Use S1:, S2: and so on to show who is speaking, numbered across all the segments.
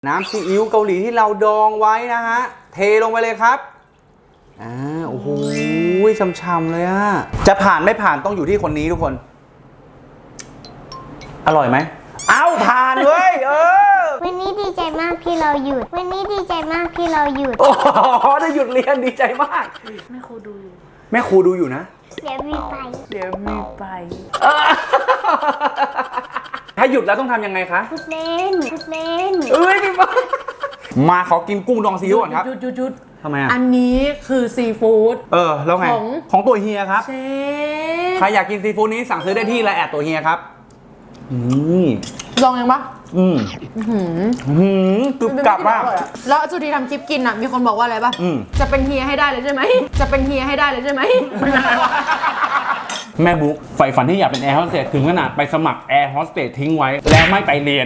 S1: น้ำซีอิ๊วเกาหลีที่เราดองไว้นะฮะเทลงไปเลยครับโอ้โหช่ำๆเลยอะจะผ่านไม่ผ่านต้องอยู่ที่คนนี้ทุกคนอร่อยไหมเอ้าผ่านเว้ย
S2: วันนี้ดีใจมากที่เราหยุดวันนี้ดีใจมากที่เราหยุด
S1: โอ้โหได้หยุดเรียนดีใจมาก
S3: แม่ครูดูอยู่
S1: แม่ครูดูอยู่นะ
S2: เดี๋ยวมีไป
S1: ถ้าหยุดแล้วต้องทำยังไงคะ
S2: พุดเล่น
S1: พี่ป้ามาขอกินกุ้งดองซีอิ๊วก่อนครับ
S3: หยุด
S1: ทำไมอ่ะ
S3: อันนี้คือซีฟู้ด
S1: แล้วไงของตัวเฮียครับ
S3: เชฟ
S1: ใครอยากกินซีฟู้ดนี้สั่งซื้อได้ที่ไลน์แอดตัวเฮียครับ
S3: ลองยังปะ
S1: กรึบกรับมาก
S3: แล้วสุธีทำคลิปกินอ่ะมีคนบอกว่าอะไรปะจะเป็นเฮียให้ได้เลยใช่ไหม
S1: แม่บุ๊กใฝ่ฝันที่อยากเป็นแอร์โฮสเตสถึงขนาดไปสมัครแอร์โฮสเตสทิ้งไว้แล้วไม่ไปเรียน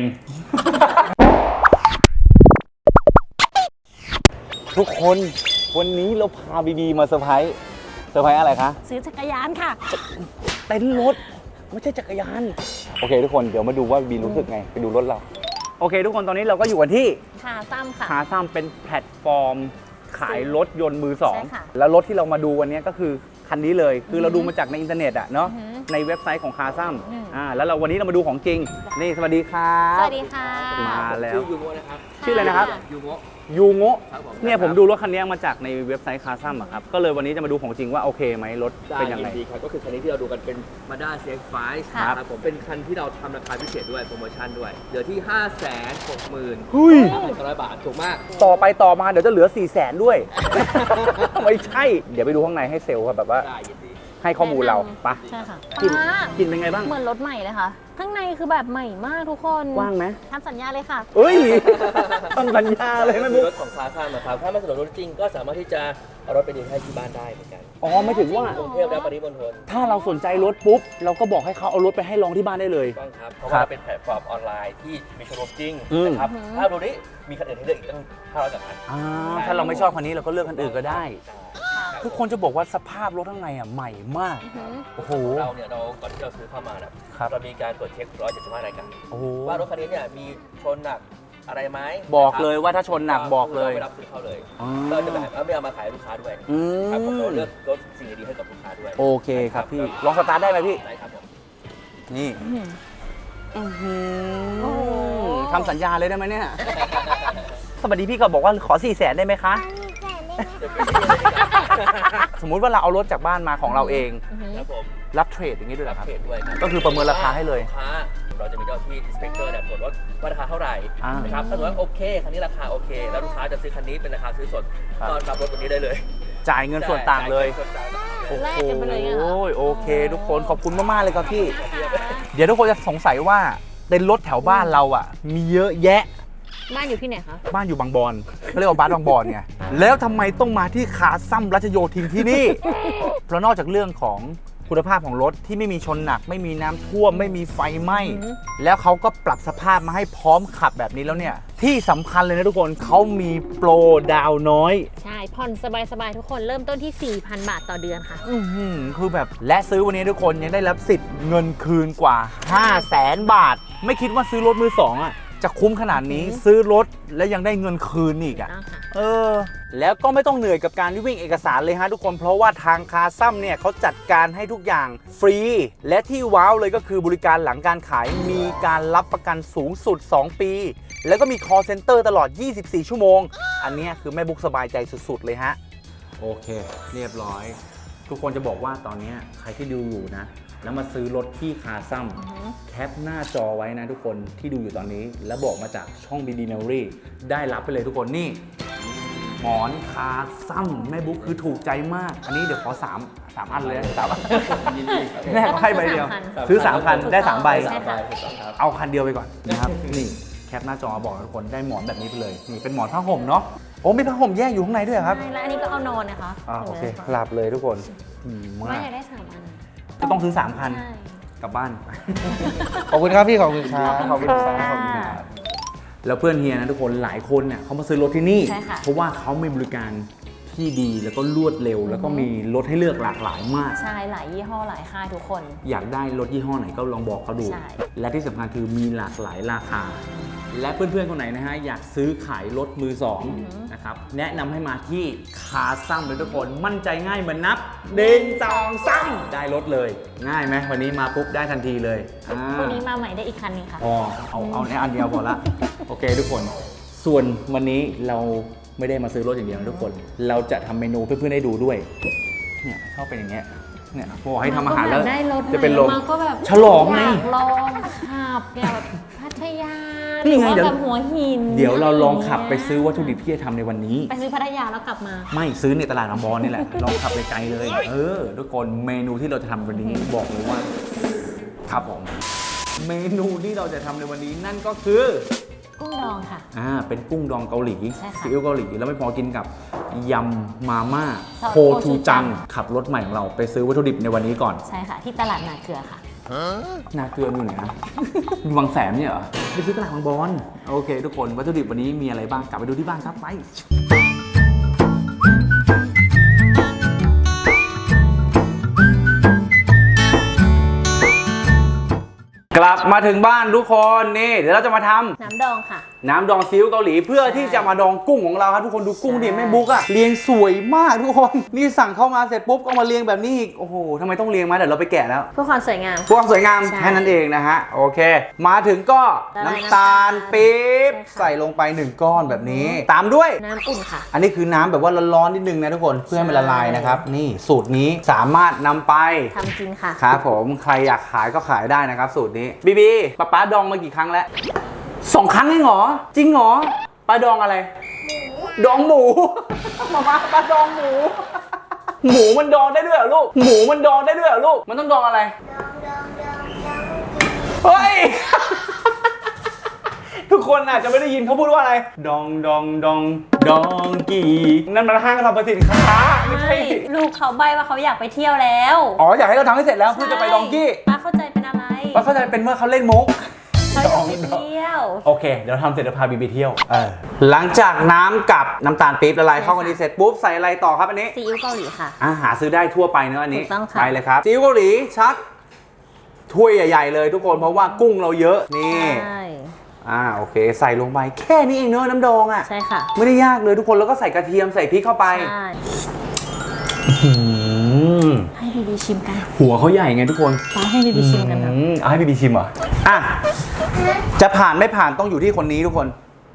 S1: ทุกคนวันนี้เราพาบีมาเซอร์ไพรส์อะไรคะ
S3: ซื้อจักรยานค่ะ
S1: เต็นท์รถไม่ใช่จักรยานโอเคทุกคนเดี๋ยวมาดูว่าบีรู้สึกไงไปดูรถเราโอเคทุกคนตอนนี้เราก็อยู่กันที่
S3: คาซัมค่ะ
S1: คาซัมเป็นแพลตฟอร์มขายรถยนต์มือสองแล้วรถที่เรามาดูวันนี้ก็คือคันนี้เลยคือเราดูมาจากในอินเทอร์เน็ตอะเนาะในเว็บไซต์ของคาซัมแล้วเราวันนี้เรามาดูของจริงนี่สวัสดีครับ
S3: สวัสดีค่ะ
S1: มาแล้ว
S4: ชื่อยูโงะนะครับ
S1: ชื่ออะไรนะครับยูโงะเนี่ยผมดูรถคันนี้มาจากในเว็บไซต์คาซัมอะครับก็เลยวันนี้จะมาดูของจริงว่าโอเคไหมรถเป็นยังไง
S4: ดีครับก็คือคันนี้ที่เราดูกันเป็น Mazda CX-5 ครับผมเป็นคันที่เราทำราคาพิเศษด้วยโปรโมชั่นด้วยเหลือที่ 560,900 บาทถูกมาก
S1: ต่อไปต่อมาเดี๋ยวจะเหลือ 400,000 ด้วย ไม่ใช่เดี๋ยวไปดูข้างในให้เซลล์แบบว่าให้ข้อมูลเราปะ
S3: ใช่ค่ะ
S1: กินเป็นไงบ้าง
S3: เหมือนรถใหม่เลยค่ะข้างในคือแบบใหม่มากทุกคน
S1: กว้างไหม
S3: ทำสัญญาเลยค่ะ
S1: ทำสัญญาเลยไม่บุ๊
S4: รถของคาซัมนะครับถ้าไม่สะดวกรถจริงก็สามารถที่จะเอารถไปดีให้ที่บ้านได้เหมือนกัน
S1: ไม่ถึงว่
S4: ากรุงเทพและปริมณฑล
S1: ถ้าเราสนใจรถปุ๊บเราก็บอกให้เขาเอารถไปให้ลองที่บ้านได้เลย
S4: ต้องครับเพราะว่าเป็นแพลตฟอร์มออนไลน์ที่มีโชว์รูมจริงนะครับถ้าดูนี้มีคันอื่นให้เลือกอีกตั้ง500กว่าคัน
S1: ถ้าเราไม่ชอบคันนี้เราก็เลือกคันอื่นก็ได้ทุกคนจะบอกว่าสภาพรถข้างในใหม่มากโอ้โห
S4: เราก่อนที่เราซื้อเข้ามาเรามีการตรวจเช็ค175รายการว่ารถคันนี้เนี่ยมีชนหนักอะไรไหม
S1: บอกเลยว่าถ้าชนหนักบอกเลย
S4: ไม่รับซื้อเข้าเลยเราจะไม่เอามาขายลูกค้าด้วยครับผมเราเลือกรถสิ่งดีๆให้กับลูกค้าด้วย
S1: โอเคครับพี่ลองสตาร์ทได้ไหมพี่
S4: ได้ครับผม
S1: นี่ทำสัญญาเลยได้ไหมเนี่ยสวัสดีพี่ก็บอกว่าขอ 400,000 ได้ไหมคะสมมุติว่าเราเอารถจากบ้านมาของเราเองรับเทรดอย่างนี้ด้วยเหรอครับก็คือประเมินราคาให้เลย
S4: เราจะมีเจ้าที่ inspector ตรวจรถว่าราคาเท่าไหร่นะครับถ้าสมมติว่าโอเคคันนี้ราคาโอเคแล้วลูกค้าจะซื้อคันนี้เป็นราคาซื้อสดก็รับรถตัวนี้ได้เลย
S1: จ่ายเงินส่วนต่างเลย
S3: แลกกันไปเลย
S1: โอเคทุกคนขอบคุณมากๆเลยครับพี่เดี๋ยวทุกคนจะสงสัยว่าเต็นท์รถแถวบ้านเรามีเยอะแยะ
S3: บ้านอยู่ที่ไหนคะ
S1: บ้านอยู่บางบอนเขาเรียกว่าบ้านบางบอนไงแล้วทำไมต้องมาที่คาซัมรัชโยธินที่นี่เพราะนอกจากเรื่องของคุณภาพของรถที่ไม่มีชนหนักไม่มีน้ำท่วมไม่มีไฟไหม้แล้วเขาก็ปรับสภาพมาให้พร้อมขับแบบนี้แล้วเนี่ยที่สำคัญเลยนะทุกคนเขามีโปรดาวน้อย
S3: ใช่ผ่อนสบายๆทุกคนเริ่มต้นที่ 4,000 บาทต่อเดือนค่ะ
S1: คือแบบและซื้อวันนี้ทุกคนยังได้รับสิทธิ์เงินคืนกว่า 500,000 บาทไม่คิดว่าซื้อรถมือสองจะคุ้มขนาดนี้ซื้อรถและยังได้เงินคืนอีกแล้วก็ไม่ต้องเหนื่อยกับการวิ่งเอกสารเลยฮะทุกคนเพราะว่าทางคาซัมเนี่ยเขาจัดการให้ทุกอย่างฟรีและที่ว้าวเลยก็คือบริการหลังการขายมีการรับประกันสูงสุด2 ปีแล้วก็มี call center ตลอด24 ชั่วโมงอันนี้คือแม่บุ๊กสบายใจสุดๆเลยฮะโอเคเรียบร้อยทุกคนจะบอกว่าตอนนี้ใครที่ดูอยู่นะแล้วมาซื้อรถที่คาซัมแคปหน้าจอไว้นะทุกคนที่ดูอยู่ตอนนี้แล้วบอกมาจากช่อง BD Memory ได้รับไปเลยทุกคนนี่หมอนคาซัมแม่บุ๊กคือถูกใจมากอันนี้เดี๋ยวขอ3 อันเลย3 อันแม่ก็ให้ใบเดียวซื้อ3 คันได้3 ใบเอาคันเดียวไปก่อนนะครับนี่แคปหน้าจอบอกทุกคนได้หมอนแบบนี้ไปเลยนี่เป็นหมอนผ้าห่มเนาะมีผ้าห่มแยกอยู่ข้างในด้วยครับ
S3: และอันนี้ก็เอานอนนะคะ
S1: โอเคหลับเลยทุกคน
S3: ไม่อยากได้3 อัน
S1: ก็ต้องซื้อ3 คันกลับบ้านขอบคุณครับพี่ขอบคุณครับขอบคุณครับแล้วเพื่อนเฮียนะทุกคนหลายคนเนี่ยเขามาซื้อรถที่นี่เพราะว่าเขามีบริการที่ดีแล้วก็รวดเร็วแล้วก็มีรถให้เลือกหลากหลายมาก
S3: ใช่หลายยี่ห้อหลายค่ายทุกคน
S1: อยากได้รถยี่ห้อไหนก็ลองบอกเขาดูและที่สำคัญคือมีหลากหลายราคาและเพื่อนๆคนไหนนะฮะอยากซื้อขายรถมือสองนะครับแนะนำให้มาที่คาซัมเลยทุกคนมั่นใจง่ายเหมือนนับ1 2 3ได้รถเลยง่ายไหมวันนี้มาปุ๊บได้ทันทีเลย
S5: พรุ่งนี้มาใหม่ได้อีกคันหนึงค่ะ
S1: พอเอาในอันเดียวพอละ โอเคทุกคนส่วนวันนี้เราไม่ได้มาซื้อรถอย่างเดียวนะทุกคนเราจะทำเมนูเพื่อนๆให้ดูด้วยเนี่ยชอบเป็นอย่างเงี้ยเนี่ยพอให้ทำอาหารแล้ว
S5: ได้รถ
S1: จะเป็นลม
S5: มาก็แบบ
S1: ฉลองไง
S5: อยากลองขับแบบพัทยา
S1: นี่ไง
S5: หรือ
S1: เดี๋ยว
S5: ว่าแบบหัวหิน
S1: เดี๋ยวเราลองขับไปซื้อวัตถุดิบที่จะทำในวันนี้
S5: ไปซื้อพัทยาแล้วกลับมา
S1: ไม่ซื้อในตลาดบางบอนนี่แหละ ลองขับไปไกลเลย ทุกคนเมนูที่เราจะทำวันนี้บอกเลยว่าครับผมเมนูที่เราจะทำในวันนี้นั่นก็คือ
S5: กุ้งดองค่ะ
S1: เป็นกุ้งดองเกาหลี
S5: ใช่ค่ะ
S1: ซีอิ๊วเกาหลีแล้วไม่พอกินกับยำมาม่า
S5: ซอส
S1: โคชูจังขับรถใหม่ของเราไปซื้อวัตถุดิบในวันนี้ก่อน
S5: ใช่ค่ะ ที่ตลาดนาเกลือค่ะ
S1: นาเกลืออยู่ไหนนะ อยู่บางแสนเนี่ยเหรอไปซื้อตลาดบางบอนโอเค ทุกคนวัตถุดิบวันนี้มีอะไรบ้างกลับไปดูที่บ้านครับไปกลับมาถึงบ้านทุกคนนี่เดี๋ยวเราจะมาทำ
S5: น้ำดองค่ะ
S1: น้ำดองซีอิ๊วเกาหลีเพื่อที่จะมาดองกุ้งของเราครับทุกคนดูกุ้งดิแม่บุ๊กอะเรียงสวยมากทุกคนนี่สั่งเข้ามาเสร็จปุ๊บก็มาเรียงแบบนี้อีกโอ้โหทำไมต้องเรียงมาเดี๋ยวเราไปแกะแล้ว
S5: เพื่อความสวยงาม
S1: พวกสวยงาม
S5: ใช่
S1: แค่นั้นเองนะฮะโอเค มาถึงก็
S5: ละลาย
S1: น้ำตาลปี๊บ
S5: ใช่ค่ะ
S1: ใส่ลงไป1ก้อนแบบนี้ ตามด้วย
S5: น้ำอุ่นค่ะ
S1: อันนี้คือน้ำแบบว่าร้อนๆนิดนึงนะทุกคนเพื่อให้มันละลายนะครับนี่สูตรนี้สามารถนำไป
S5: ทำกินค่ะ
S1: ครับผมใครอยากขายก็ขายได้นะครับสูตรนี้บีบีป๊าดองมากี่ครั้งแล้ว2 ครั้งเองเหรอจริงเหรอปลาดองอะไรดองหมู มาปลาดองหมู หมูมันดองได้ด้วยเหรอลูกหมูมันดองได้ด้วยเหรอลูกมันต้องดองอะไรเฮ้ย ทุกคนอาจจะไม่ได้ยินเขาพูดว่าอะไรดองดองดองดองกี่นั่นมันห้างสรรพสินค้าไม่ใช่
S5: ลูกเขาใบว่าเขาอยากไปเที่ยวแล้ว
S1: อ๋ออยากให้เราทำให้เสร็จแล้วเพื่อจะไปดองกี้
S5: ป้าเข้าใจเป็นอะไร
S1: ว่าเข้าใจเป็นเมื่อเขาเล่นมุก
S5: เขาอยากไปเที่ยว
S1: โอเคเดี๋ยวทำเสร็จแล้วพาบีไปเที่ยวหลังจากน้ำกับน้ำตาลปี๊บละลายเข้ากันดีเสร็จปุ๊บใส่อะไรต่อครับอันนี้
S5: ซีอิ๊วเกาหลีค่ะ
S1: หาซื้อได้ทั่วไปเนอะอันนี้
S5: ถูกต้องค่ะ
S1: ไปเลยครับซีอิ๊วเกาหลีชักถ้วยใหญ่ๆเลยทุกคนเพราะว่ากุ้งเราเยอะนี่
S5: ใช่
S1: โอเคใส่ลงไปแค่นี้เองเนอะน้ำดองอ่ะ
S5: ใช่ค่ะ
S1: ไม่ได้ยากเลยทุกคนแล้วก็ใส่กระเทียมใส่พริกเข้าไป
S5: ใช่
S1: อืม
S5: ให้บีบีชิมกัน
S1: หัวเขาใหญ่ไงทุกคน
S5: ป้าให้บีบีชิมกันค่ะ
S1: เอาให้บีบีชิมเหรอจะผ่านไม่ผ่านต้องอยู่ที่คนนี้ทุกคน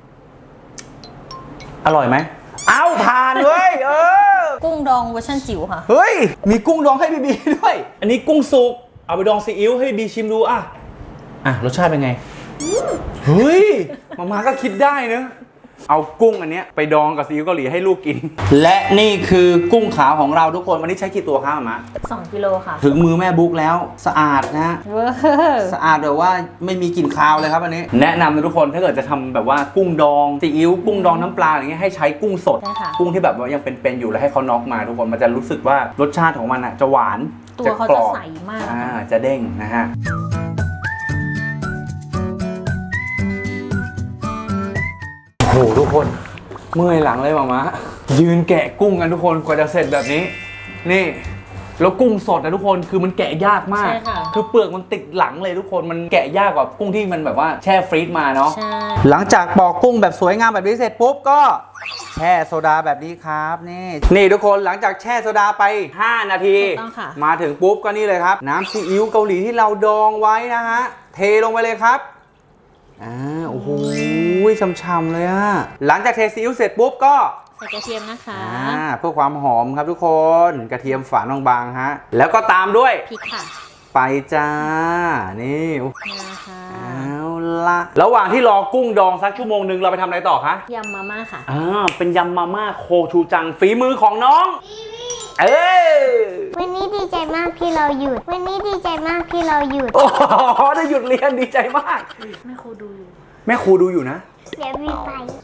S1: อร่อยไหมเอ้าผ่านเว้ย
S5: กุ้งดองเวอร์ชันจิ๋วค่ะ
S1: เฮ้ยมีกุ้งดองให้บีบีด้วย อันนี้กุ้งสุกเอาไปดองซีอิ๊วให้บีบีชิมดูรสชาติเป็นไงเฮ้ยมาก็คิดได้เนอะเอากุ้งอันเนี้ยไปดองกับซีอิ๊วเกาหลีให้ลูกกิน และนี่คือกุ้งขาวของเราทุกคนวันนี้ใช้กี่ตัวครับมา
S5: 2 กิโลค่ะ
S1: ถึงมือแม่บุ๊กแล้วสะอาดนะ
S5: เวอร์
S1: สะอาดแบบว่าไม่มีกลิ่นคาวเลยครับอันนี้แนะนำนะทุกคนถ้าเกิดจะทำแบบว่ากุ้งดองซีอิ๊วกุ้งดองน้ำปลาอย่างเงี้ยให้ใช้กุ้งสด
S5: ใช่ค่ะ
S1: กุ้งที่แบบว่ายังเป็นๆอยู่แล้วให้เขาน็อกมาทุกคนมันจะรู้สึกว่ารสชาติของมันจะหวาน
S5: ตัวเขา
S1: กร
S5: จะ
S1: อบ
S5: ใสมาก
S1: จะเด้งนะฮะโหทุกคนเมื่อยหลังเลยมะยืนแกะกุ้งกันทุกคนกว่าจะเสร็จแบบนี้นี่แล้วกุ้งสดนะทุกคนคือมันแกะยากมาก
S5: ใช่ค่ะ
S1: คือเปลือกมันติดหลังเลยทุกคนมันแกะยากกว่ากุ้งที่มันแบบว่าแช่ฟรีซมาเนาะ
S5: ใช่
S1: หลังจากปอกกุ้งแบบสวยงามแบบนี้เสร็จปุ๊บก็แช่โซดาแบบนี้ครับนี่ทุกคนหลังจากแช่โซดาไป5 นาที
S5: ถูกต้องค่ะ
S1: มาถึงปุ๊บก็นี่เลยครับน้ำซีอิ๊วเกาหลีที่เราดองไว้นะฮะเทลงไปเลยครับโอ้โหช่ำๆเลยอะหลังจากเทซีอิ๊วเสร็จปุ๊บก็
S5: ใส่กระเทียมนะคะ
S1: เพื่อความหอมครับทุกคนกระเทียมฝานบางๆฮะแล้วก็ตามด้วย
S5: พริกค่ะ
S1: ไปจ้านี่
S5: นะคะ
S1: เอาละระหว่างที่รอกุ้งดองสักชั่วโมงนึงเราไปทำอะไรต่อคะ
S5: ยำมาม่าค่ะ
S1: เป็นยำมาม่าโคชูจังฝีมือของน้อง
S2: วันนี้ดีใจมากที่เราหยุดวันนี้ดีใจมากที่เราหยุด
S1: โอ้โหได้หยุดเรียนดีใจมาก
S5: แม่ครูดูอยู่
S1: แม่ครูดูอยู่นะ
S2: เดี๋ยวมีไป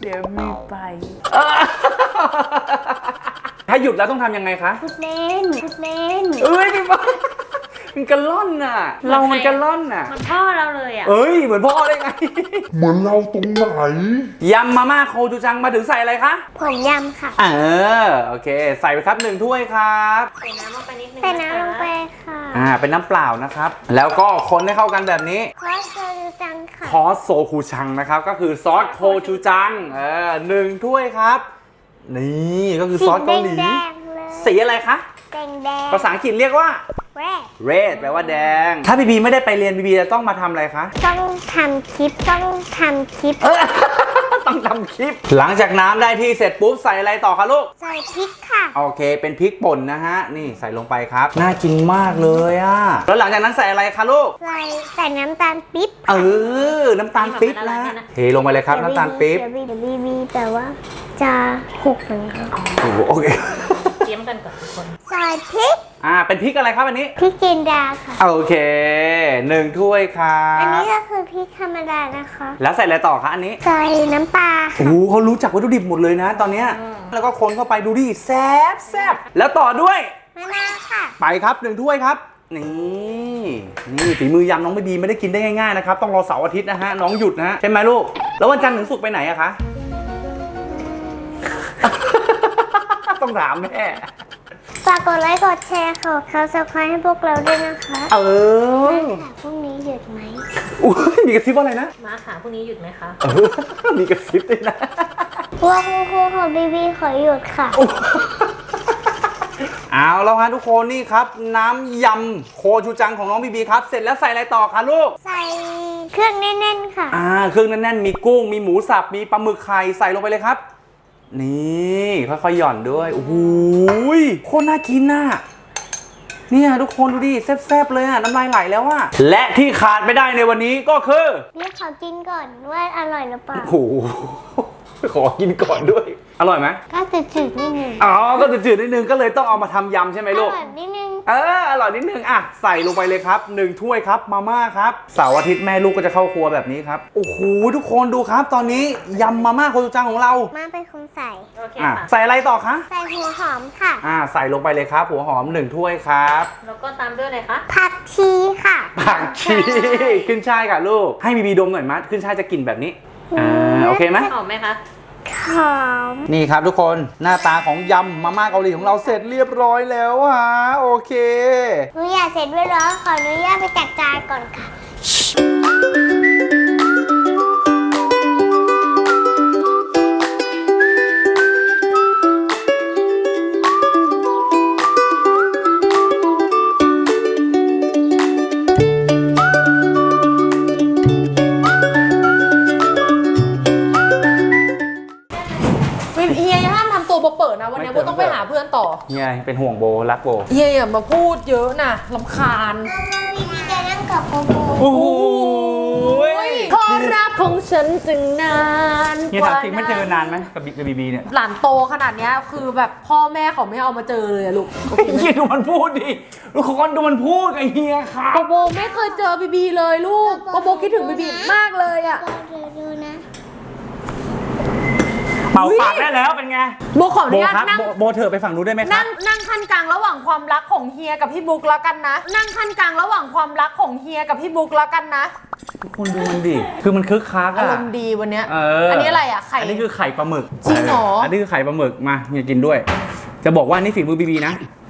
S1: ถ้าหยุดแล้วต้องทำยังไงคะ
S2: พูดเล่นพูดเล่น
S1: พี่บ้ามันกระล่อนน่ะ เรามันกระล่อนน่ะ
S5: มันพ่อเราเลยอ่ะ
S1: เหมือนพ่อได้ไง
S6: เหมือนเราตรงไหน
S1: ยำมาม่าโคชูจังมาถึงใส่อะไรคะ
S2: ผมยำค่ะ
S1: โอเค ใส่ไปครับ1 ถ้วยครับ
S5: ใส่น้ำลงไปนิดนึง
S2: ใส่น้ำลงไปค่ะ
S1: เป็นน้ำเปล่านะครับแล้วก็คนให้เข้ากันแบบนี้
S2: ขอโซจูจังค่ะ
S1: ซอสโซคูชังนะครับก็คือซอสโคชูจัง1 ถ้วยครับนี่ก็คือซอสเกาหลี
S2: แดงๆเลย
S1: สีอะไรคะ
S2: แดง
S1: ภาษาอังกฤษเรียกว่า red แปลว่าแดง ถ้าบีบีไม่ได้ไปเรียนบีบีจะต้องมาทำอะไรคะ
S2: ต้องทำคลิปต้องทำคลิป
S1: ต้องทำคลิป หลังจากน้ำได้ที่เสร็จปุ๊บใส่อะไรต่อคะลูก
S2: ใส่พริกค่ะ
S1: โอเคเป็นพริกป่นนะฮะนี่ใส่ลงไปครับน่ากินมากเลยอ่ะแล้วหลังจากนั้นใส่อะไรคะลูก
S2: ใส่น้ำตาลปิ๊บ
S1: น้ำตาลปิ๊บนะเทลงไปเลยครับน้ำตาลปิ๊บ
S2: เดี๋ยวบีแต่ว่าจะหกมันค่ะ
S1: โอ้โหโอเค
S5: เตรียมกันก่อนทุกคน
S2: ใส่พริก
S1: เป็นพริกอะไรครับอันนี้
S2: พริกจินดาค่ะ
S1: โอเค1 ถ้วยครั
S2: อันนี้
S1: บ
S2: ก็คือพริกธรรมดานะคะ
S1: แล้วใส่อะไรต่อคะอันนี้
S2: ใส่น้ำปลา
S1: โอ้โหเขารู้จักวัตถุดิบหมดเลยนะตอนเนี้ยแล้วก็คนเข้าไปดูดิแซ่บแล้วต่อด้วย
S2: มะนาวค่ะ
S1: ไปครับ1 ถ้วยครับนี่ฝีมือยำน้องไม่ดีไม่ได้กินได้ง่ายๆนะครับต้องรอเสาร์อาทิตย์นะฮะน้องหยุดนะฮะใช่ไหมลูกแล้ววันจันทร์ถึงศุกร์ไปไหนอะคะ ต้องถามแม่
S2: ฝากกดไลค์กดแชร์ขอSubscribeให้พวกเราด้วยนะคะ
S1: ค่ะ
S2: พรุ่งนี้หยุดไหม
S1: อุ๊ยมีกระซิบว่าอะไรนะ
S5: มาค่ะพรุ่งนี้หยุดไหมคะ
S1: มีกระซิบด้วยนะ
S2: พวกครูของบีขอหยุดค่ะ
S1: เอาแล้วฮะทุกคนนี่ครับน้ำยำโคชูจังของน้องบีบีครับเสร็จแล้วใส่อะไรต่อคะลูก
S2: ใส่เครื่องแน่นๆค่ะ
S1: เครื่องแน่นๆมีกุ้งมีหมูสับมีปลาหมึกไข่ใส่ลงไปเลยครับนี่ค่อยๆหย่อนด้วยโอ้โหโคตรน่ากินน่ะเนี่ยทุกคนดูดิแซ่บๆเลยอ่ะน้ำลายไหลแล้วอ่ะและที่ขาดไม่ได้ในวันนี้ก็คือ
S2: เรียกเขากินก่อนว่าอร่อยหรือเปล่า
S1: โอ้โหขอกินก่อนด้วยอร่อยไหม
S2: ก็จืดๆนิดนึง
S1: ก็จืดๆนิดนึงก็เลยต้องเอามาทำยำใช่ไหม
S2: อ
S1: ลูก
S2: ร่อยนิดนึง
S1: อร่อยนิดนึงอ่ะใส่ลงไปเลยครับ1 ถ้วยครับมาม่าครับเสาร์อาทิตย์แม่ลูกก็จะเข้าครัวแบบนี้ครับโอ้โหทุกคนดูครับตอนนี้ยำมาม่าโคจูจังของเรา
S2: มาเป็นคนใส่
S5: โอเค
S1: อ่ะ
S5: ค่ะ
S1: ใส่อะไรต่อคะ
S2: ใส่หัวหอมค่ะ
S1: ใส่ลงไปเลยครับหัวหอม1 ถ้วยครับ
S5: แล้วก็ตามด้วยอะไรคะ
S2: ผักชีค่ะ
S1: ผักชีขึ้นช่ายค่ะลูกให้บีบีดมหน่อยมั้ยขึ้นช่ายจะกลิ่นแบบนี้โอเคไหม
S5: หอมไหมคะ
S2: หอม
S1: นี่ครับทุกคนหน้าตาของยำมาม่าเกาหลีของเราเสร็จเรียบร้อยแล้วฮะโอเค
S2: หนูอยากเสร็จด้วยแล้วขออนุญาตไปจัดจานก่อนค่ะ
S3: เฮียอย่าห้ามทำตัวเปิดนะวันนี้โบต้องไปหาเพื่อนต่อ
S1: เฮียเป็นห่วงโบรักโบ
S3: เฮียอย่ามาพูดเยอะนะรำคาญ
S2: วิธีจะนั่งกับโบโบ
S1: โอ้โห
S3: เพราะรักของฉันจึงนาน
S1: เฮียถามจริงไม่เจอนานไหมกับบีบีเนี่ย
S3: หลานโตขนาดเนี้ยคือแบบพ่อแม่เขาไม่เอามาเจอเลยอะลูก
S1: เฮียดูมันพูดดิทุกคนดูมันพูดกับเฮียค่ะ
S3: โบไม่เคยเจอบีบีเลยลูกโบคิดถึงบีบีมากเลยอะ
S2: ดูนะ
S1: เป่าปากได้แล้วเป็นไง
S3: โบขออ
S1: โบ
S3: นุญาต
S1: ครับ
S3: นั่ง
S1: โบเถอะไปฝั่งนู้นได้ไหมครับ
S3: นั่งขั้นกลางระหว่างความรักของเฮียกับพี่บุ๊กแล้วกันนะ นั่งขั้นกลางระหว่างความรักของเฮียกับพี่บุ๊กแล้วกันนะ
S1: ทุกคนดูมันดิคือมันคึกคัก
S3: อา
S1: อะ
S3: รมณ์ดีวันเนี้ย
S1: อั
S3: นนี้อะไรอะไข่
S1: อันนี้คือไข่ปลาหมึก
S3: จริงเหรอ
S1: อันนี้คือไข่ปลาหมึกมาเฮียกินด้วย จะบอกว่านี่ฝีมือบีบีนะ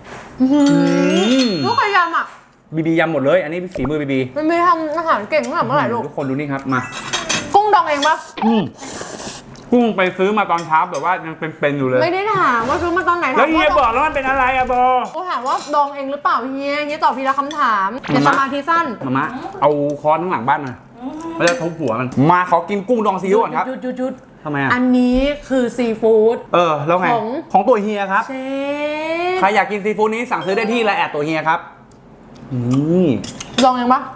S3: ลูกพยายามอะ
S1: บีบียำหมดเลยอันนี้ฝีมือบีบี
S3: มันไม่ทำอาหารเก่งขนาดเมื่อไหร่ลูก
S1: ทุกคนดูนี่ครับมา
S3: กุ้งดองเองปะ
S1: กุ้งไปซื้อมาตอนเช้าแบบว่ายังเป็นๆอยู่เลย
S3: ไม่ได้ถามว่าซื้อมาตอนไหน
S1: แล้ว
S3: ถาม
S1: เฮีย
S3: ว่า
S1: บอกแล้วมันเป็นอะไรอะโบ
S3: กูถามว่าดองเองหรือเปล่าเฮียตอบทีละคำถามอย่าสมาธิสั้น
S1: มามะเอาค้อนข้างหลังบ้านมาไม่ได้ทุบหัวมันมาขอกินกุ้งดองซีอิ๊วก่อนครับ
S3: หยุด
S1: ทำไมอะ
S3: อันนี้คือซีฟู้ด
S1: แล้วไง ของตัวเฮียครับ
S3: เชฟ
S1: ใครอยากกินซีฟู้ดนี้สั่งซื้อได้ที่ไลน์แอดตัวเฮียครับนี่
S3: ดองเองปะ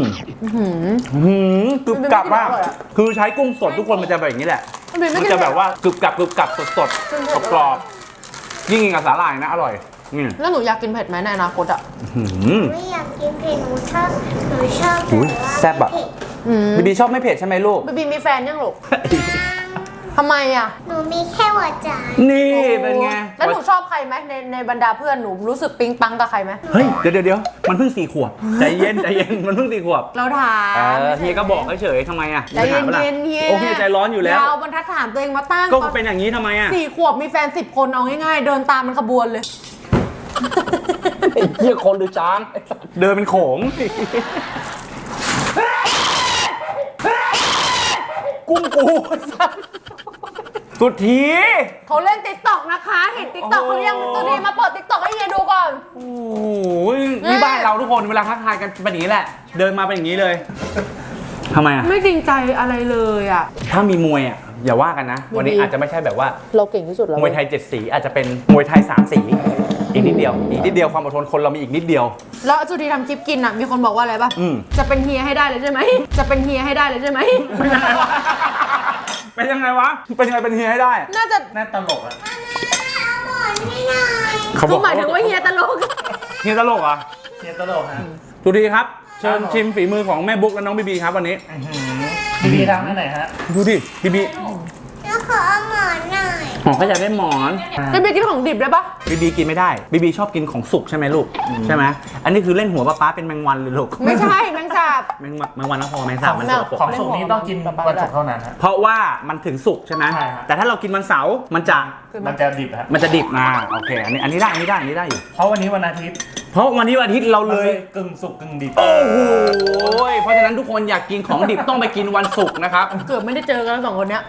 S1: กรึบกรับมาก
S3: มันเป็นไม่กินอร่อยอะ
S1: คือใช้กุ้งสดทุกคนมันจะแบบอย่างนี้แหละ
S3: มันเป็นไม่
S1: มัน
S3: กิน
S1: จะแบบว่ากรึบกรับสดกรอบๆยิ่งกินกับสาหร่ายนะอร่อยนี่
S3: แล้วหนูอยากกินเผ็ดไหมในอนาคตอะ
S2: ไม่อยากกินเผ็ดหนูชอบแบบ
S1: อุ๊ย
S2: ว่า
S1: แซ่บอะ
S2: เผ็ด
S1: บีบีชอบไม่เผ็ดใช่ไหมลูก
S3: บีบีมีแฟนยังลูกทำไมอะ
S2: หนูมีแค่หัวใจ
S1: นี่เป็นไง
S3: แล้วหนูชอบใครไหมในบรรดาเพื่อนหนูรู้สึกปิ๊งปังกับใครไหม
S1: เฮ้ยเดี๋ยวมันเพิ่ง4 ขวบใจเย็นมันเพิ่ง4 ขวบ
S3: เราถาม
S1: เฮียก็บอกเฉยๆทำไมอะ
S3: ใจเย็นๆเฮีย
S1: โอ้เฮียใจร้อนอยู่แล้ว
S3: ยาวบรรทัดฐานตัวเองมาตั้ง
S1: ก็เป็นอย่างนี้ทำไมอะ
S3: 4 ขวบมีแฟน10 คนเอาง่ายๆ เดินตามมันขบวนเลย
S1: ไม่เหี้ยคนหรือช้างเดินเป็นโขงกุ้งกูสุดที
S3: เขาเล่นติ๊กต็อกนะคะ เห็นติ๊กต็อกเขายังตัวดีมาเปิดติ๊กต็อกให้เฮียดูก่อน
S1: โอ้โหนี่บ้านเราทุกคนเวลาทักทายกันเป็นอย่างนี้แหละ เดินมาเป็นอย่างนี้เลยทำไมอ่ะ
S3: ไม่จริงใจอะไรเลยอ่ะ
S1: ถ้ามีมวยอ่ะอย่าว่ากันนะ วันนี้อาจจะไม่ใช่แบบว่า
S3: เราเก่งที่สุดแล้ว
S1: มวยไทย7 สีอาจจะเป็นมวยไทย3 สีอีกนิดเดียวความอดทนคนเรามีอีกนิดเดียว
S3: แล้วสุธีทำคลิปกินอ่ะมีคนบอกว่าอะไรป่ะ จะเป็นเฮียให้ได้เลยใช่ไหมจะเป็นเฮียให้ได้เลยใช่ไหม
S1: เป็นยังไงวะเป็นยังไงเป็นเฮียให้ได้
S3: น่าจะ
S4: น่าตลกอะ
S1: เขาบ
S3: ก็
S1: อก
S3: หมายถึงว่าเฮียตลก
S1: เฮียตลกเหรอ่ะ
S4: เฮียตลกฮะ
S1: สุธีครับเชิญชิมฝีมือของแม่บุ๊กและน้องบีบีครับวันนี้
S4: บีทำให้ไหนฮะ
S1: ดูดิบีบี
S2: แล้วขอเอาหมอนหน่อย
S1: หมอเขาอยากได้หมอน
S3: จะไปกินของดิบได้ปะ
S1: บีบีกินไม่ได้บีบีชอบกินของสุกใช่ไหมลูกใช่ไหมอันนี้คือเล่นหัวป้าเป็นแมงวันเลยลูก
S3: ไม่ใช่แมงสาบ
S1: แมงวันนะพอแมงสาบมันสกปรก
S4: ของสุกนี้ต้องกินวันศุกร์เท่านั้นฮะ
S1: เพราะว่ามันถึงสุกใช่ไหม
S4: ใช่ครับ
S1: แต่ถ้าเรากินวันเสาร์มันจะ
S4: มันจะดิบฮะ
S1: มันจะดิบโอเคอันนี้ได้อยู่
S4: เพราะวันนี้วันอาทิตย์
S1: เพราะวันนี้วันอาทิตย์เราเลย
S4: กึ่งสุกกึ่งดิบ
S1: โอ้โหเพราะฉะนั้นทุกคนอยากกินของดิบต้องไปกินวันศุกร์นะครับ
S3: เกือบไม่ได้เจอกันแล้วสองคนเนี้ย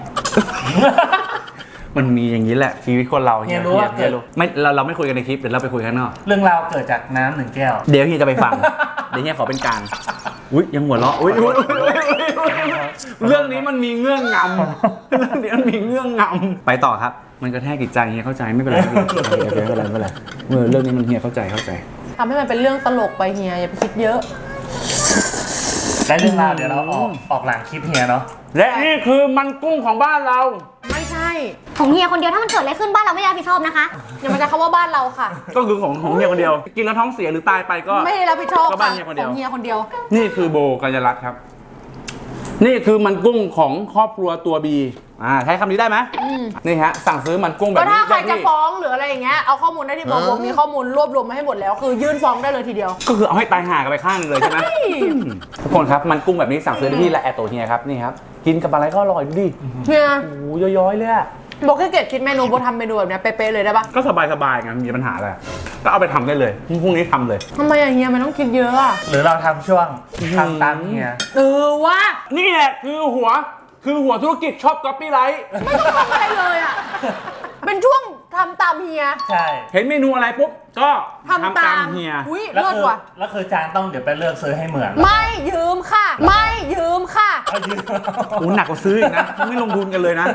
S1: มันมีอย่างนี้แหละชีวิตคนเรา
S4: เฮียรู้ว่าเกิด
S1: ไม่เราไม่คุยกันในคลิปเดี๋ยวเราไปคุยข้างนอก
S4: เรื่องราวเกิดจากน้ำหนึ่งแก้ว
S1: เดี๋ยวเฮียจะไปฟัง เดี๋ยวเฮียขอเป็นกลางอุ้ยยังหัวเราะอุ้ยเรื่องนี้มันมีเงื่อนงำเรื่องนี้มันมีเงื่อนงำไปต่อครับ มันกระแทกจิตใจเฮียเข้าใจไม่เป็นไรไม่เป็นไรเรื่องนี้มันเฮียเข้าใจ
S3: ทำให้มันเป็นเรื่องตลกไปเฮียอย่าไปคิดเยอะ
S4: และเรื่องราวเดี๋ยวเราออกหลังคลิปเฮียเนาะ
S1: และนี่คือมันกุ้งของบ้านเรา
S3: ไม่ใช่
S2: ของเฮียคนเดียวถ้ามันเกิดอะไรขึ้นบ้านเราไม่รับผิดชอบนะคะ
S3: อย่ามาจะคำว่าบ้านเราค่ะ
S1: ก็คือของเฮียคนเดียว กินแล้วท้องเสียหรือตายไปก็
S3: ไม่ได้รับผิดชอบ
S1: ก็บ้า
S3: ค่ะ
S1: นเฮียคนเดี
S3: ข
S1: ยว
S3: องเฮียคนเดียว
S1: นี่คือโบกัญญรัตน์ครับ นี่คือมันกุ้งของครอบครัวตัวบีใช้คำนี้ได้ไหมนี่ฮะสั่งซื้อมันกุ้งแบบ
S3: ก็
S1: นี้
S3: ถ้าใคร
S1: ได้
S3: จะ
S1: ที่
S3: ฟ้องหรืออะไรอย่างเงี้ยเอาข้อมูลได้ที่บอกมีข้อมูลรวบรวมมาให้หมดแล้ว คือยื่นฟ้องได้เลยทีเดียว
S1: ก็คือเอาให้ตายห่ากันไปข้างหนึงเลยใช่ไหมทุกคนครับมันกุ้งแบบนี้สั่งซื้อได้ที่ละแอตโตเฮียครับนี่ครับกินกับอะไรก็อร่อยดูดิ
S3: เฮีย
S1: โอ้โหย้อยๆเลยอะ
S3: บอกแค่เกดคิดเมนูโบทำเมนูแบบเนี้ยเป๊ะๆเลยได้ปะ
S1: ก็สบายๆไงมีปัญหาอะไรก็เอาไปทำได้เลยพรุ่งนี้ทำเลย
S3: ทำไมอะเฮียมันต้องคิดเยอะอะ
S4: หรือเราทำช่วงทำตามเฮีย
S3: ว่า
S1: นี่แหละคือหัวธุรกิจชอบก๊อปปี้ไลท์
S3: ไม่ต้องทำอะไรเลยอะเป็นช่วงทำตามเฮีย
S4: ใช่
S1: เห็นเมนูอะไรปุ๊บก็
S3: ทำตาม
S1: เฮีย
S3: อุ้ย
S4: แล้ว
S3: เลิศ
S4: คือ
S3: ว่ะ
S4: แล้วคือจานต้องเดี๋ยวไปเลือกซื้อให้เหมือน
S3: ไม่ยืมค่ะ ไม่ยืมค่ะ
S4: เอายืม
S1: โอ้หนักกว่าซื้ออีกนะไม่ลงทุนกันเลยนะ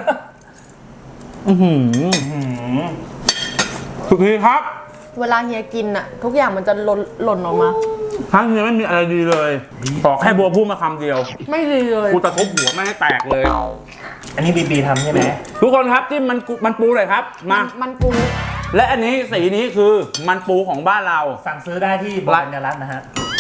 S1: สุดทีครับ
S3: เวลาเฮียกินอะทุกอย่างมันจะหล่นออกมา
S1: ทั้งเฮียไม่มีอะไรดีเลยบอกให้บัวพูดมาคำเดียว
S3: ไม่ดีเลย
S1: กูตะคบหัวไม่ให้แตกเลย
S4: อันนี้บีทำใช่ไหม
S1: ทุกคนครับที่มันปูเลยครับมา
S3: มันปู
S1: และอันนี้สีนี้คือมันปูของบ้านเรา
S4: สั่งซื้อได้ที่บรัญญรัตน์นะฮะ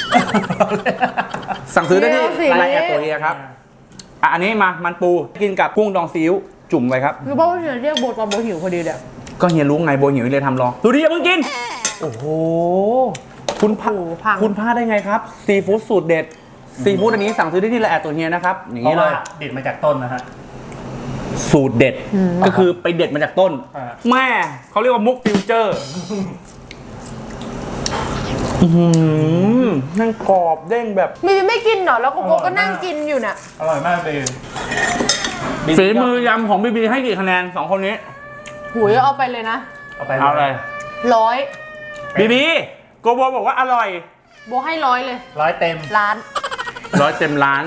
S1: สั่งซื้อได้ที่ไลน์แอดตัวเฮียครับอันนี้มันปูกินกับกุ้งดองซีอิ๊วจุ่มไว้ครับ
S3: คือบอกว่าเฮียเรียกโบตอนโบหิวพอดีเลย
S1: ก็เฮียรู้ไงโบหิวเลยทำลองดูดิอย่าเพิ่งกินโอ้โหคุณพลาดได้ไงครับซีฟู้ดสูตรเด็ดซีฟู้ดอันนี้สั่งซื้อได้ที่ไลน์แอดตัวเฮียนะครับอย่าง
S4: เพ
S1: นี้
S4: ราะ
S1: เล
S4: ว่าย เด็ดมาจากต้นนะฮะ
S1: สูตรเด็ดก็คือไปเด็ดมาจากต้น
S4: อ่า
S1: แม่เขาเรียกว่ามุกฟิวเจอร์นั่งกรอบเด้งแบบ
S3: มีไม่กินเหรอแล้วโกโก้ก็นั่งกินอยู่เนี่ย
S4: อร่อยมากเบน
S1: ฝีมือยำของบีบีให้กี่คะแนน2คนนี้
S3: หุยเอาไปเลยนะ
S4: เอาไป
S1: เอาเลย
S3: 100
S1: บีบีโกโบบอกว่าอร่อย
S3: โบให้100เลย
S4: 100 เต็ม
S3: ล้าน
S1: 100 เต็มล้าน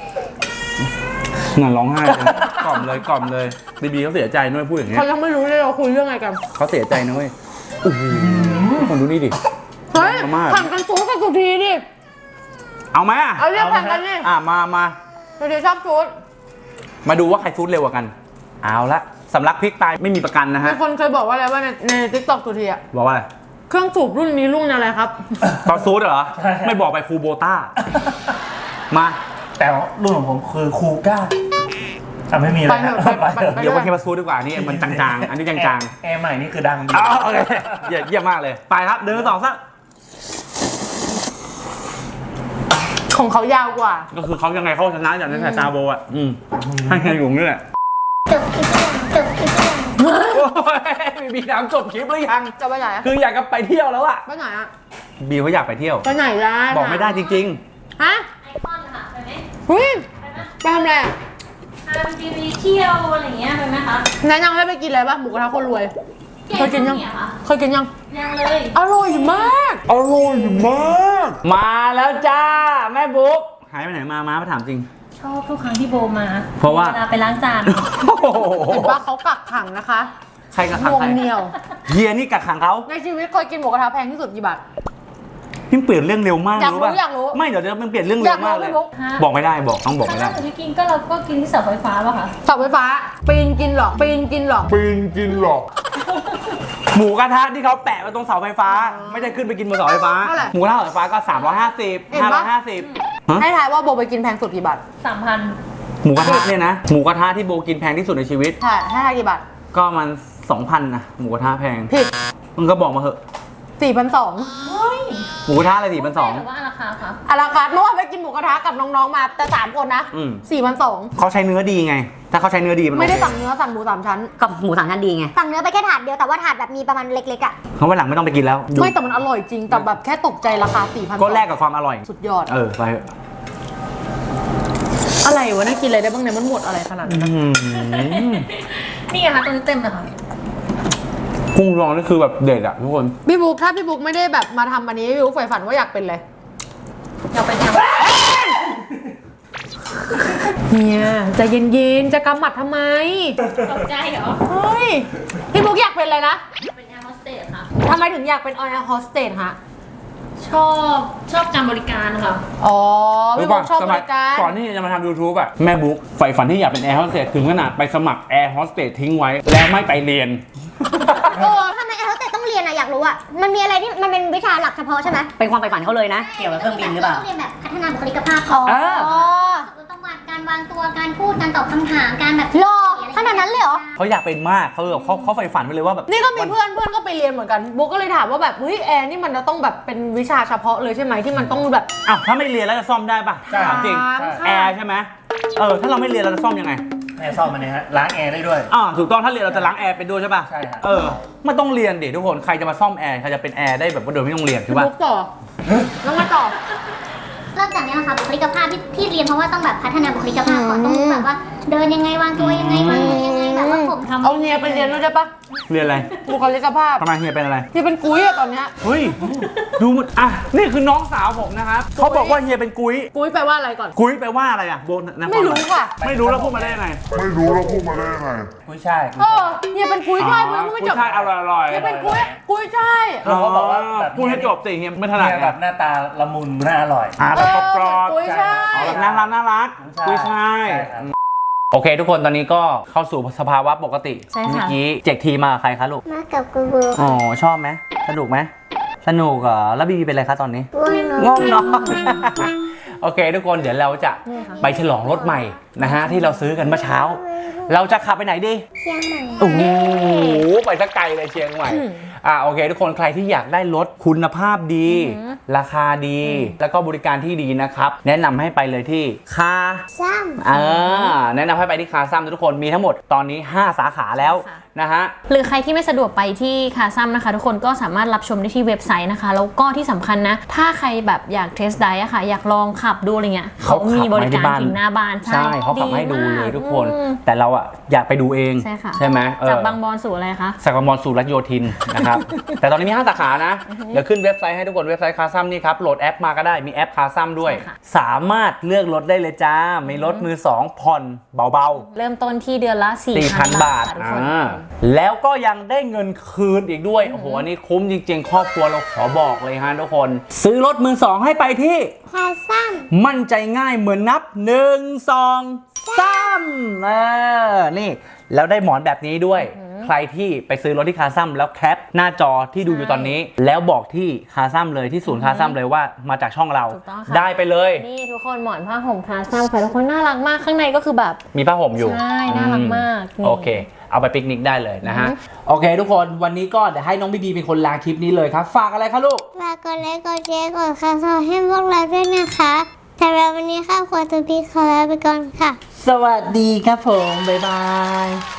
S1: น่าร้องไห้เลยกล่อมเลยบีบีเขาเสียใจด้วยพูดอย่างเงี้ย
S3: เขายังไม่รู้เลยเราคุยเรื่องอะไรกัน
S1: เขาเสียใจนะเว้ยโอ้โหคนดูนี่ดิ
S3: เฮ้ย
S1: เอามาก
S3: แข่งกันซูดกับสุธีดิ
S1: เอาไหมอ่ะ
S3: เอาเรียกแข่งกันดิ
S1: มา
S3: สุธีชอบซูด
S1: มาดูว่าใครฟูดเร็วกว่ากัน เอาละสำลักพริกตายไม่มีประกันนะ
S3: มี
S1: ฮะ
S3: คนเคยบอกว่าอะไรว่าในทิกตอกสุธีอะ
S1: บอกว่าอะไร
S3: เครื่องสูบรุ่นนี้รุ่นอะไรครับ
S1: ตอนซูดเหรอ ไม่บอกไปคูโบต้า มา
S4: แต่รุ่นของผมคือคูก้าไม่มีแล้ว
S3: ไปเถอะ
S1: เดี๋ยวไปเคมาซูดดีกว่านี่มันจางๆ อันนี้จาง
S4: แอร์ใหม่นี่คือดังดี
S1: ๆโอเคเยี่ยมมากเลย ไปครับ เดินต่อซะ
S3: ของเขายาวกว่า
S1: ก็คือเขายังไงเขาชนะอย่างในสายตาโบอ่ะให้ใครอยู่นี่แหละ
S2: จบคลิปยัง
S1: โอ้ยมีบีถามจบคลิปหรือยัง
S3: จะไปไหนอะ
S1: คืออยากจะไปเที่ยวแล้วอะ
S3: ไปไหนอะ
S1: บีเขาอยากไปเที่ยว
S3: ไปไหนล่ะ
S1: บอกไม่ได้จริง
S3: ฮะ
S5: ไอคอนค่ะไปไหม
S3: เฮ้ยไปทำอะไรอะ
S5: ทำทีวีเที่ยวอะไรอย่างเงี้ยไปไหมคะ
S3: แนะนำให้ไปกินอะไรบ้างหมูกระทะคนรวย เคยกินยัง
S5: เยค่ะ
S3: เคยกินยัง
S5: ยังเลย
S3: อร่อยมาก
S6: อร่อยมาก
S1: ๆ มาแล้วจ้าแม่บุ๊กหายไปไหนมาถามจริง
S5: ชอบทุกครั้งที่โบมา
S1: เพราะว่า
S5: เวลาไปล้างจาน
S3: เห็นว่าเขากักขังนะคะ
S1: ใครกับขัง
S3: นวง
S1: ใคร
S3: เหนียว
S1: เฮียนี่กักขังเขา
S3: ในชีวิตเคยกินหมูกระทะแพงที่สุดกี่บาท
S1: พี่เปลี่ยนเรื่องเร็วมาก
S3: อยากรู้
S1: ป่ะ
S3: อยากรู้
S1: ไม่เดี๋ยวมันเปลี่ยนเรื่องเร็วมากเลย
S3: อยากรู้
S5: ฮะ
S1: บอกไม่ได้ต้องบอก
S5: ครั้
S1: ไม่
S5: ง
S1: ได้
S5: ล่าสุดที่กินก็เราก็กินที่เสาไฟฟ้าป่ะคะ
S3: เสาไฟฟ้าปีนกินหรอปีนกินหรอ
S6: ปีนกินหรอก
S1: หมูกระทะที่เขาแปะไว้ตรงเสาไฟฟ้า ไม่ได้ขึ้นไปกินบนเสาไฟฟ้า
S3: เท่าไหร่
S1: หมูกระทะเสาไฟฟ้าก็350
S3: เห็นปะ
S1: 550ฮะ
S3: ให้ทายว่าโบไปกินแพงสุดกี่บาท
S5: 3,000
S1: หมูกระทะเนี่ยนะหมูกระทะที่โบกินแพงที่สุดในชีวิต
S3: ใช่ให้ทายกี่บาท
S1: ก็มัน 2,000นะหมูกระทะแพง
S3: ผิด
S1: มึงก็บอกมาเหอะ
S3: 4,200
S1: หมูกระทะอะไร4,200
S5: หรือว่าราคาคะ
S3: อาราคาร์ทเมื่อวานไปกินหมูกระทะกับน้องๆมาแต่3คนนะ
S1: อืม
S3: 4,200
S1: เขาใช้เนื้อดีไง ถ้าเขาใช้เนื้อดีมัน
S3: ไม่ได้
S1: โอเค
S3: สั่งเนื้อสั่งหมู3ชั้น
S7: กับหมูสามชั้นดีไง
S2: สั่งเนื้อไปแค่ถาดเดียวแต่ว่าถาดแบบมีประมาณเล็กๆอ่ะ
S1: เขาวันหลังไม่ต้องไปกินแล้วดู
S3: ไม่แต่มันอร่อยจริงแต่แบบแค่ตกใจราคา 4,200
S1: ก็แลกกับความอร่อย
S3: สุดยอด
S1: ไปเถอะ
S3: อะไรวะน่ากินอะไรได้บ้างเนี่ยมันหมดอะไรขนาดนั้น
S1: อื้อหือ
S5: นี่ไงคะตัวนี้เต็มเลยค่ะ
S1: กุ้งรองนี่คือแบบเด็ดอะทุกคน
S3: พี่บุ๊กถ้าพี่บุ๊กไม่ได้แบบมาทำอันนี้พี่บุ๊กใฝ่ฝันว่าอยากเป็นอะไร
S5: อยากเป็นแอม
S3: เฮียใจเย็นๆจะกำหมัดทำไม
S5: ตกใจเหรอ
S3: เฮ้ยพี่บุ๊กอยากเป็นอะไรนะ
S5: เป็นแอร์โฮสเตสค่ะ
S3: ทำไมถึงอยากเป็นแอร์โฮสเตสฮะ
S5: ชอบการบริการค่ะ
S3: อ๋อพี่บุ๊กชอบบริการ
S1: ก่อนที่จะมาทำ YouTube อะแม่บุ๊กใฝ่ฝันที่อยากเป็นแอร์โฮสเตสถึงขนาดไปสมัครแอร์โฮสเตสทิ้งไว้ แล้วไม่ไปเรียน
S2: ทำไมแอร์โฮสเตสต้องเรียนอะอยากรู้อะมันมีอะไรที่มันเป็นวิชาหลักเฉพาะใช่ไหม
S7: เป็นความใฝ่ฝันเขาเลยนะ เกี่ยวกับเครื่องบินหรือเปล่า
S2: ต้องเรียนแบบพัฒนาบุคลิกภาพ
S3: อ๋อ
S2: ต้องวาดการวางตัวการพูดการตอบคำถามการแบบหรอขนาดนั้นเลยเหรอ
S1: เขาอยากเป็นมากเขาใฝ่ฝันไปเลยว่าแบบ
S3: นี่ก็มีเพื่อนก็ไปเรียนเหมือนกันบุ๊กก็เลยถามว่าแบบเฮ้ยแอร์นี่มันจะต้องแบบเป็นวิชาเฉพาะเลยใช่ไหมที่มันต้องแบบ
S1: อ้าวถ้าไม่เรียนแล้วจะซ่อมได้ปะถามจริง
S3: ค่ะ
S1: แอร์ใช่ไหมถ้าเราไม่เรียนเราจะซ่อมยังไง
S8: แอร์ซ่อมมันเนี่ยฮะล้างแอร์ได้ด้วย
S1: ถูกต้องถ้าเรียนเราจะล้างแอร์เป็นด้วยใช่ปะ
S8: ใช่ครับ
S1: ไม่ต้องเรียนดิทุกคนใครจะมาซ่อมแอร์ใครจะเป็นแอร์ได้แบบว่าโดยไม่ต้องเรียนถู
S3: พี่
S1: กปะ
S3: บุ๊กต่อน้องมาต่อ
S2: เริ่มจากนี้นะคะบุคลิกภาพที่เรียนเพราะว่าต้องแบบพัฒนาบุคลิกภาพก่อนต้องแบบว่าเดินยังไงวางตัวยังไงวางตัวยังไงแบบว่าผมทำ
S3: เอาเนียไปเรียนด้วยใช่ปะ
S1: เรียนอะไร
S3: บุคลิกภาพ
S1: ทำไมเฮียเป็นอะไร
S3: ที่เป็นกุ้ยอะตอนเนี้ย
S1: เฮ้ยดูมันนี่คือน้องสาวผมนะครับเขาบอกว่าเฮียเป็นกุ้ย
S3: กุ้ยแปลว่าอะไรก่อน
S1: กุ้ยแปลว่าอะไรอะโบน
S3: ไม่รู้ค่ะ
S1: ไม่รู้แล้วพูดมาได้ยังไง
S6: ไม่รู้แล้วพูดมาได้ยังไง
S8: กุ้ยช่าย
S3: เฮียเป็นกุ้ยช่ายเพื่อนไม่จบ
S1: ใช่อร่อยๆ
S3: เฮียเป็นกุ้ยช่าย
S8: เขาบอกว่าแบบ
S1: พูดให้จบสิเฮียไม่ถนัด
S8: เนี่ยแบบหน้าตาละมุนน่าอร่อย
S1: แบบกรอบ
S3: กุ้ยช่าย
S1: ๆแบบน่ารักกุ้ยช่าย
S8: ใช่ครับ
S1: โอเค ทุกคนตอนนี้ก็เข้าสู่สภาวะปกติ
S5: ใช่ค่ะ
S1: เมื่อกี้เจกทีมากับใครคะลูก
S2: มากับกูบู
S1: อ๋อชอบไหมสนุกไหมสนุกเหรอแล้วบีบีเป็นอะไรคะตอนนี้
S2: ง่วงนอน
S1: ง่วงนอน โอเค ทุกคนเดี๋ยวเราจะไปฉลองรถใหม่นะฮะที่เราซื้อกันเมื่อเช้า เราจะขับไปไหนดี
S2: เชียงใหม่
S1: โอ้โหไปสักไกลเลยเชียงใหม่โอเค ทุกคนใครที่อยากได้รถคุณภาพดี ราคาดี แล้วก็บริการที่ดีนะครับแนะนำให้ไปเลยที่คา
S2: ซ้ำ
S1: แนะนำให้ไปที่คาซัมทุกคนมีทั้งหมดตอนนี้ 5 สาขาแล้วนะฮะ
S5: หรือใครที่ไม่สะดวกไปที่คาซัมนะคะ ทุกคนก็สามารถรับชมได้ที่เว็บไซต์นะคะ แล้วก็ที่สำคัญนะ ถ้าใครแบบอยากเทสไดร์อะค่ะ อยากลองขับดูอะไรเงี้ยเขามีบริการถึงหน้าบ้าน
S1: ใช่เขาขับให้ดูเลยทุกคน
S5: อืม
S1: แต่เราอะอยากไปดูเอง
S5: ใช่ค่ะ
S1: ใช่ไหม
S5: จากบางบอนสู่อะไรคะ
S1: จากบางบอนสู่รัชโยธินนะครับ แต่ตอนนี้มี 5 สาขานะ เดี๋ยวขึ้นเว็บไซต์ให้ทุกคนเว็บไซต์คาซัมนี่ครับโหลดแอปมาก็ได้มีแอปคาซัมด้วย
S5: ใช่ค่ะ
S1: สามารถเลือกรถได้เลยจ้ามีรถมือ 2 ผ่อนเบาๆ
S5: เริ่มต้นที่เดือนละ 4,000
S1: 4,000 บาท
S5: ค่ะทุกคน
S1: แล้วก็ยังได้เงินคืนอีกด้วย โอ้โห อันนี้คุ้มจริงๆ ครอบครัวเราขอบอกเลยฮะทุกคน ซื้อรถมือ 2 ให้ไปที่
S2: คาซ้ำ
S1: มั่นใจง่ายเหมือนนับ 1 2 3นี่ แล้วได้หมอนแบบนี้ด้วย ใครที่ไปซื้อรถที่คาซัมแล้วแคปหน้าจอที่ดูอยู่ตอนนี้ แล้วบอกที่คาซัมเลยที่ศูนย์คาซัมเลยว่ามาจากช่องเรา
S5: ถูกต้องค่ะ
S1: ได้ไปเลย
S5: นี่ทุกคนหมอนผ้าห่มคาซัมค่ะทุกคนน่ารักมากข้างในก็คือแบบ
S1: มีผ้าห่มอยู่
S5: ใช่น่ารักมากนี่
S1: โอเค เอาไปปิกนิกได้เลยนะฮะ โอเค ทุกคนวันนี้ก็เดี๋ยวให้น้องบีบีเป็นคนลาคลิปนี้เลยครับ ฝากอะไรคะลูก
S2: ฝากกดไลค์กดแชร์กดซับสไครต์ให้พวกเราด้วยนะคะสำหรับวันนี้ครอบครัวตูปีขอลาไปก่อนค่ะ
S1: สวัสดีครับผม บ๊ายบาย